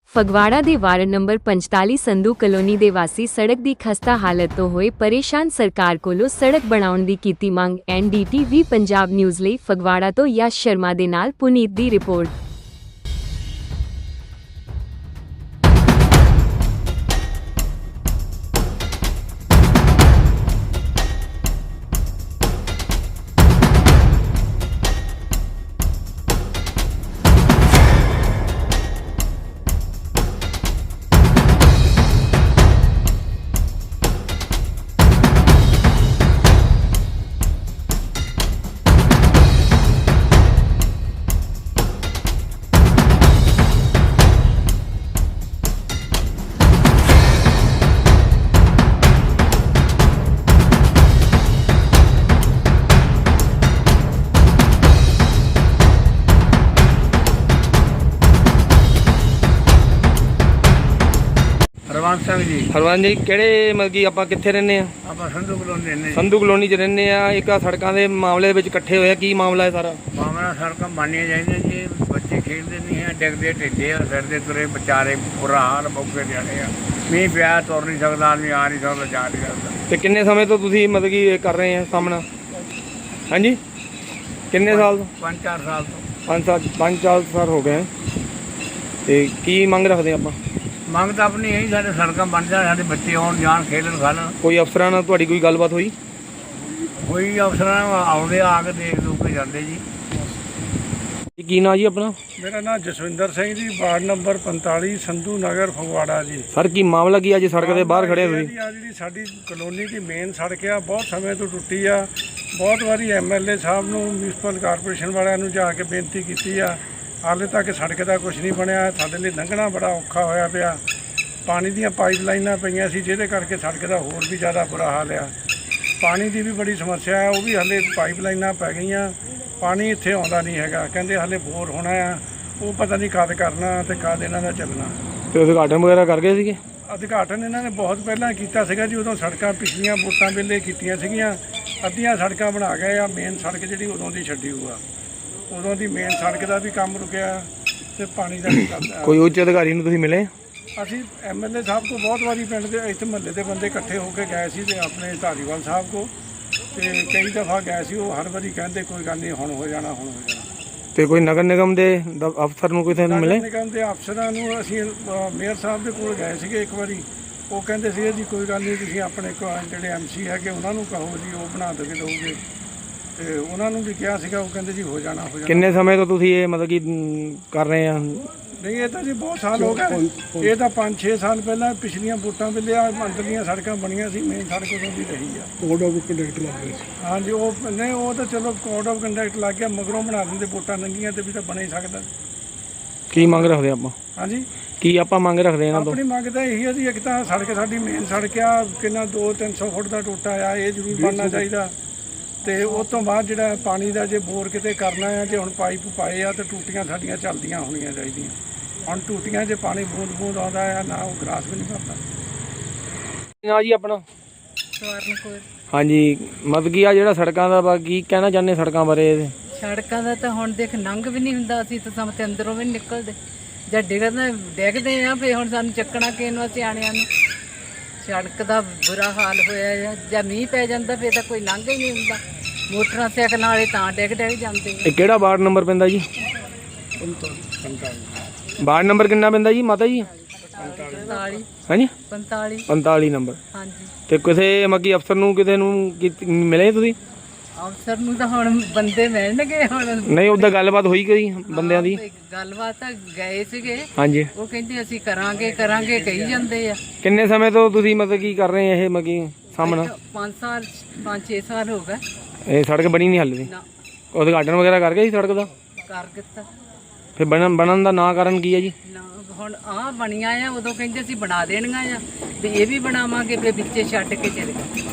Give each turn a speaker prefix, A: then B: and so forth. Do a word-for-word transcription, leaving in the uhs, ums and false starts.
A: ਫਗਵਾੜਾ ਦੇ ward number ਪੰਤਾਲੀ Sandhu colony ਦੇ ਵਾਸੀ ਸੜਕ ਦੀ ਖਸਤਾ ਹਾਲਤ ਤੋਂ ਹੋਏ ਪਰੇਸ਼ਾਨ। ਸਰਕਾਰ ਕੋਲੋਂ ਸੜਕ ਬਣਾਉਣ ਦੀ ਕੀਤੀ ਮੰਗ। N D T V Punjab news ਲਈ ਫਗਵਾੜਾ ਤੋਂ ਯਸ਼ ਸ਼ਰਮਾ ਦੇ ਨਾਲ ਪੁਨੀਤ ਦੀ ਰਿਪੋਰਟ।
B: हरवंश सिंह जी
C: हरवंश जी ਕਿਹੜੇ ਮਤਲਬ ਕਿ ਆਪਾਂ ਕਿੱਥੇ ਰਹਿੰਦੇ ਆ?
B: ਆਪਾਂ ਸੰਧੂ ਕਲੋਨੀ ਰਹਿੰਦੇ
C: ਸੰਧੂ ਕਲੋਨੀ 'ਚ ਰਹਿੰਦੇ ਆ। ਇੱਕ ਆ ਸੜਕਾਂ ਦੇ ਮਾਮਲੇ ਦੇ ਵਿੱਚ ਇਕੱਠੇ ਹੋਏ ਆ, ਕੀ ਮਾਮਲਾ ਹੈ ਸਾਰਾ?
B: ਮਾਮਲਾ ਸੜਕਾਂ ਬਣਨੀਆਂ ਚਾਹੀਦੀਆਂ ਜੀ। ਬੱਚੇ ਖੇਡਦੇ ਨਹੀਂ ਹੈ, ਡਿੱਗਦੇ ਢਿੱਡੇ ਆ, ਸਿਰ ਦੇ ਤੁਰੇ ਵਿਚਾਰੇ, ਬੁਰਾ ਹਾਲ ਮੌਕੇ ਜਾਣੇ ਆ। ਮੀਂਹ ਪਿਆ ਤੁਰ ਨਹੀਂ ਸਕਦਾ ਆਦਮੀ, ਆ ਨਹੀਂ ਸਕਦਾ, ਜਾ ਨਹੀਂ ਸਕਦਾ।
C: ਤੇ ਕਿੰਨੇ ਸਮੇਂ ਤੋਂ ਤੁਸੀਂ ਮਤਲਬ ਕਿ ਇਹ ਕਰ ਰਹੇ ਆ ਸਾਹਮਣਾ? ਹਾਂਜੀ, ਕਿੰਨੇ ਸਾਲ ਤੋਂ?
B: ਪੰਜ ਚਾਰ ਸਾਲ ਤੋਂ।
C: ਪੰਜ ਸਾਲ ਪੰਜ ਚਾਰ ਸਾਲ ਹੋ ਗਏ। ਤੇ ਕੀ ਮੰਗ ਰੱਖਦੇ ਆਪਾਂ?
B: ਮੰਗ ਤਾਂ ਆਪਣੀ ਇਹੀ, ਸਾਡੇ ਸੜਕਾਂ ਬਣ ਜਾਣ, ਸਾਡੇ ਬੱਚੇ ਆਉਣ ਜਾਣ, ਖੇਡਣ ਖਾਣ।
C: ਕੋਈ ਅਫਸਰਾਂ ਨਾਲ ਤੁਹਾਡੀ ਕੋਈ ਗੱਲਬਾਤ ਹੋਈ?
B: ਕੋਈ ਅਫਸਰਾਂ ਆਉਂਦੇ ਆ ਕੇ ਦੇਖ ਦੂਖ ਕੇ ਜਾਂਦੇ ਜੀ।
C: ਕੀ ਨਾਂ ਜੀ ਆਪਣਾ?
D: ਮੇਰਾ ਨਾਮ ਜਸਵਿੰਦਰ ਸਿੰਘ ਜੀ, ਵਾਰਡ ਨੰਬਰ ਪੰਤਾਲੀ ਸੰਧੂ ਨਗਰ ਫਗਵਾੜਾ ਜੀ।
C: ਸਰ ਕੀ ਮਾਮਲਾ ਕੀ ਅੱਜ ਸੜਕ ਦੇ ਬਾਹਰ ਖੜੇ ਹੋਏ?
D: ਆ ਜਿਹੜੀ ਸਾਡੀ ਕਲੋਨੀ ਦੀ ਮੇਨ ਸੜਕ ਆ, ਬਹੁਤ ਸਮੇਂ ਤੋਂ ਟੁੱਟੀ ਆ। ਬਹੁਤ ਵਾਰੀ ਐਮ ਐਲ ਏ ਸਾਹਿਬ ਨੂੰ, ਮਿਊਨਿਸਪਲ ਕਾਰਪੋਰੇਸ਼ਨ ਵਾਲਿਆਂ ਨੂੰ ਜਾ ਕੇ ਬੇਨਤੀ ਕੀਤੀ ਆ। ਹਾਲੇ ਤੱਕ ਸੜਕ ਦਾ ਕੁਝ ਨਹੀਂ ਬਣਿਆ। ਸਾਡੇ ਲਈ ਲੰਘਣਾ ਬੜਾ ਔਖਾ ਹੋਇਆ ਪਿਆ। ਪਾਣੀ ਦੀਆਂ ਪਾਈਪ ਲਾਈਨਾਂ ਪਈਆਂ ਸੀ, ਜਿਹਦੇ ਕਰਕੇ ਸੜਕ ਦਾ ਹੋਰ ਵੀ ਜ਼ਿਆਦਾ ਬੁਰਾ ਹਾਲ ਆ। ਪਾਣੀ ਦੀ ਵੀ ਬੜੀ ਸਮੱਸਿਆ ਹੈ, ਉਹ ਵੀ ਹਾਲੇ ਪਾਈਪ ਲਾਈਨਾਂ ਪੈ ਗਈਆਂ। ਪਾਣੀ ਇੱਥੇ ਆਉਂਦਾ ਨਹੀਂ ਹੈਗਾ। ਕਹਿੰਦੇ ਹਾਲੇ ਬੋਰ ਹੋਣਾ ਆ, ਉਹ ਪਤਾ ਨਹੀਂ ਕਦ ਕਰਨਾ ਤੇ ਕਦ ਇਹਨਾਂ ਦਾ ਚੱਲਣਾ।
C: ਤੇ ਉਦਘਾਟਨ ਵਗੈਰਾ ਕਰ ਗਏ ਸੀਗੇ?
D: ਉਦਘਾਟਨ ਇਹਨਾਂ ਨੇ ਬਹੁਤ ਪਹਿਲਾਂ ਕੀਤਾ ਸੀਗਾ ਜੀ। ਉਦੋਂ ਸੜਕਾਂ ਪਿਛਲੀਆਂ ਵੋਟਾਂ ਵੇਲੇ ਕੀਤੀਆਂ ਸੀਗੀਆਂ। ਅੱਧੀਆਂ ਸੜਕਾਂ ਬਣਾ ਗਏ ਆ। ਮੇਨ ਸੜਕ ਜਿਹੜੀ ਉਦੋਂ ਦੀ ਛੱਡੀ ਹੋਊਗਾ, ਉਦੋਂ ਦੀ ਮੇਨ ਸੜਕ ਦਾ ਵੀ ਕੰਮ ਰੁਕਿਆ ਤੇ ਪਾਣੀ ਦਾ ਵੀ ਚੱਲਦਾ।
C: ਕੋਈ ਉੱਚ ਅਧਿਕਾਰੀ ਨੂੰ ਤੁਸੀਂ ਮਿਲੇ?
D: ਅਸੀਂ ਐਮ ਐਲ ਏ ਸਾਹਿਬ ਕੋਲ ਬਹੁਤ ਵਾਰੀ, ਪਿੰਡ ਦੇ ਇੱਥੇ ਮਹੱਲੇ ਦੇ ਬੰਦੇ ਇਕੱਠੇ ਹੋ ਕੇ ਗਏ ਸੀ, ਤੇ ਆਪਣੇ ਧਾਰੀਵਾਲ ਸਾਹਿਬ ਕੋਲ ਤੇ ਕਈ ਦਫਾ ਗਏ ਸੀ। ਉਹ ਹਰ ਵਾਰੀ ਕਹਿੰਦੇ ਕੋਈ ਗੱਲ ਨਹੀਂ, ਹੁਣ ਹੋ ਜਾਣਾ, ਹੁਣ ਹੋ ਜਾਣਾ।
C: ਤੇ ਕੋਈ ਨਗਰ ਨਿਗਮ ਦੇ ਦ- ਅਫਸਰ ਨੂੰ ਕਿਸੇ ਨੂੰ ਮਿਲੇ?
D: ਨਗਰ ਨਿਗਮ ਦੇ ਅਫਸਰਾਂ ਨੂੰ ਅਸੀਂ ਅ, ਮੇਅਰ ਸਾਹਿਬ ਦੇ ਕੋਲ ਗਏ ਸੀਗੇ ਇੱਕ ਵਾਰੀ। ਉਹ ਕਹਿੰਦੇ ਸੀਗੇ ਜੀ ਕੋਈ ਗੱਲ ਨਹੀਂ, ਤੁਸੀਂ ਆਪਣੇ ਕੋਲ ਜਿਹੜੇ ਐਮ ਸੀ ਹੈਗੇ ਉਹਨਾਂ ਨੂੰ ਕਹੋ ਜੀ, ਉਹ ਬਣਾ ਦੇ ਦੋਗੇ। ਤੇ ਉਹਨਾਂ ਨੂੰ ਵੀ ਕਿਹਾ ਸੀਗਾ, ਉਹ ਕਹਿੰਦੇ ਜੀ ਹੋ ਜਾਣਾ, ਹੋ ਜਾਣਾ।
C: ਕਿੰਨੇ ਸਮੇਂ ਤੋਂ ਤੁਸੀਂ ਇਹ ਮਤਲਬ ਕਿ ਅਮ, ਕਰ ਰਹੇ ਆ?
D: ਨਹੀਂ, ਇਹ ਤਾਂ ਜੀ ਬਹੁਤ ਸਾਲ ਹੋ ਗਏ। ਇਹ ਤਾਂ ਪੰਜ ਛੇ ਸਾਲ ਪਹਿਲਾਂ ਪਿਛਲੀਆਂ ਵੋਟਾਂ ਵੇਲੇ ਆ ਅੰਦਰਲੀਆਂ ਸੜਕਾਂ ਬਣੀਆਂ ਸੀ। ਮੇਨ ਸੜਕ ਉਦੋਂ ਦੀ ਰਹੀ ਆ। ਕੋਡ ਆਫ ਕੰਡਕਟ ਲੱਗ ਗਿਆ ਸੀ। ਹਾਂਜੀ, ਉਹ ਨਹੀਂ, ਉਹ ਤਾਂ ਚਲੋ ਕੋਡ ਆਫ ਕੰਡਕਟ ਲੱਗ ਗਿਆ, ਮਗਰੋਂ ਬਣਾ ਦਿੰਦੇ। ਵੋਟਾਂ ਲੰਘੀਆਂ ਤੇ ਵੀ ਤਾਂ ਬਣ ਹੀ ਸਕਦਾ।
C: ਕੀ ਮੰਗ ਰੱਖਦੇ ਆਪਾਂ?
D: ਹਾਂਜੀ,
C: ਕੀ ਆਪਾਂ ਮੰਗ ਰੱਖਦੇ ਇਹਨਾਂ ਤੋਂ?
D: ਆਪਣੀ ਮੰਗ ਤਾਂ ਇਹੀ ਹੈ ਜੀ, ਇੱਕ ਤਾਂ ਸੜਕ ਸਾਡੀ ਮੇਨ ਸੜਕ ਆ, ਕਿੰਨਾ ਦੋ ਤਿੰਨ ਸੌ ਫੁੱਟ ਦਾ ਟੋਟਾ ਆ, ਇਹ ਜ਼ਰੂਰ ਬਣਨਾ ਚਾਹੀਦਾ। ਤੇ ਉਸ ਤੋਂ ਬਾਅਦ ਜਿਹੜਾ ਪਾਣੀ ਦਾ ਜੇ ਬੋਰ ਕਿਤੇ ਕਰਨਾ ਆ, ਜੇ ਹੁਣ ਪਾਈਪ ਪਾਏ ਆ ਤਾਂ ਟੂਟੀਆਂ ਸਾਡੀਆਂ ਚੱਲਦੀਆਂ ਹੋਣੀਆਂ ਚਾਹੀਦੀਆਂ। ਹੁਣ ਟੂਟੀਆਂ 'ਚ ਪਾਣੀ ਬੂੰਦ ਬੂੰਦ ਆਉਂਦਾ ਆ, ਨਾ ਉਹ ਗਰਾਸ ਵੀ ਨਹੀਂ ਕਰਦਾ।
C: ਨਾ ਜੀ ਆਪਣਾ?
E: ਸਵਰਨ ਕੌਰ।
C: ਹਾਂਜੀ, ਮਤਲਬ ਕੀ ਆ ਜਿਹੜਾ ਸੜਕਾਂ ਦਾ ਵਾ, ਕੀ ਕਹਿਣਾ ਚਾਹੁੰਦੇ ਸੜਕਾਂ ਬਾਰੇ?
E: ਸੜਕਾਂ ਦਾ ਤਾਂ ਹੁਣ ਦੇਖ ਨੰਗ ਵੀ ਨਹੀਂ ਹੁੰਦਾ। ਅਸੀਂ ਤਾਂ ਸਮਾਂ ਤੇ ਅੰਦਰੋਂ ਵੀ ਨਹੀਂ ਨਿਕਲਦੇ। ਜਦ ਡਿੱਗਦੇ ਡਿੱਗਦੇ ਆ ਫੇ ਹੁਣ ਸਾਨੂੰ ਚੱਕਣਾ ਕਿਸ ਨੂੰ, ਸਿਆਣਿਆਂ ਨੂੰ। ਸੜਕ ਦਾ ਬੁਰਾ ਹਾਲ ਹੋਇਆ ਆ। ਜਾਂ ਮੀਂਹ ਪੈ ਜਾਂਦਾ ਫੇ ਤਾਂ ਕੋਈ ਲੰਘ ਹੀ ਨਹੀਂ ਹੁੰਦਾ। ਮੋਟਰਾਂ ਸਾਈਕਲਾਂ ਵਾਲੇ ਤਾਂ ਡਿੱਗ ਡਿੱਗ ਜਾਂਦੇ ਆ।
C: ਇਹ ਕਿਹੜਾ ਵਾਰਡ ਨੰਬਰ ਪੈਂਦਾ ਜੀ? ਵਾਰਡ ਨੰਬਰ ਕਿੰਨਾ ਪੈਂਦਾ ਜੀ ਮਾਤਾ ਜੀ?
E: ਪੰਤਾਲੀ।
C: ਹਾਂਜੀ,
E: ਪੰਤਾਲੀ।
C: ਪੰਤਾਲੀ ਨੰਬਰ।
E: ਹਾਂਜੀ।
C: ਤੇ ਕਿਸੇ ਮੱਕੀ ਅਫਸਰ ਨੂੰ ਕਿਸੇ ਨੂੰ ਕੀ- ਮਿਲੇ ਤੁਸੀਂ?
E: ਅਫਸਰ ਨੂੰ ਤਾਂ ਹੁਣ ਬੰਦੇ ਮਿਲਣਗੇ ਹੁਣ।
C: ਨਹੀਂ, ਉਹਦਾ ਗੱਲਬਾਤ ਹੋਈ ਕੋਈ ਬੰਦਿਆਂ ਦੀ?
E: ਗੱਲਬਾਤ ਤਾਂ ਗਏ ਸੀਗੇ।
C: ਹਾਂਜੀ,
E: ਉਹ ਕਹਿੰਦੇ ਅਸੀਂ ਕਰਾਂਗੇ ਕਰਾਂਗੇ ਕਹੀ ਜਾਂਦੇ ਆ।
C: ਕਿੰਨੇ ਸਮੇਂ ਤੋਂ ਤੁਸੀਂ ਮਤਲਬ ਕੀ ਕਰ ਰਹੇ ਇਹ ਮੱਕੀ ਸਾਹਮਣਾ?
E: ਪੰਜ ਸਾਲ ਪੰਜ ਛੇ ਸਾਲ ਹੋ ਗਏ।
C: ਇਹ ਸੜਕ ਬਣੀ ਨਹੀਂ ਹਾਲੇ ਦੀ?
E: ਨਾ
C: ਉਦਘਾਟਨ ਵਗੈਰਾ ਕਰ ਗਏ ਸੀ ਸੜਕ ਦਾ?
E: ਕਰ ਦਿੱਤਾ।
C: ਫਿਰ ਬਣਨ ਬਣਨ ਦਾ ਨਾ ਕਾਰਨ ਕੀ ਹੈ ਜੀ?
E: ਨਾ ਹੁਣ ਆਹ ਬਣੀਆਂ ਆ, ਉਦੋਂ ਕਹਿੰਦੇ ਸੀ ਬਣਾ ਦੇਣੀਆਂ ਆ ਵੀ ਇਹ ਵੀ ਬਣਾਵਾਂਗੇ, ਫਿਰ ਵਿੱਚੇ ਛੱਡ ਕੇ ਚਲੇ ਗਏ।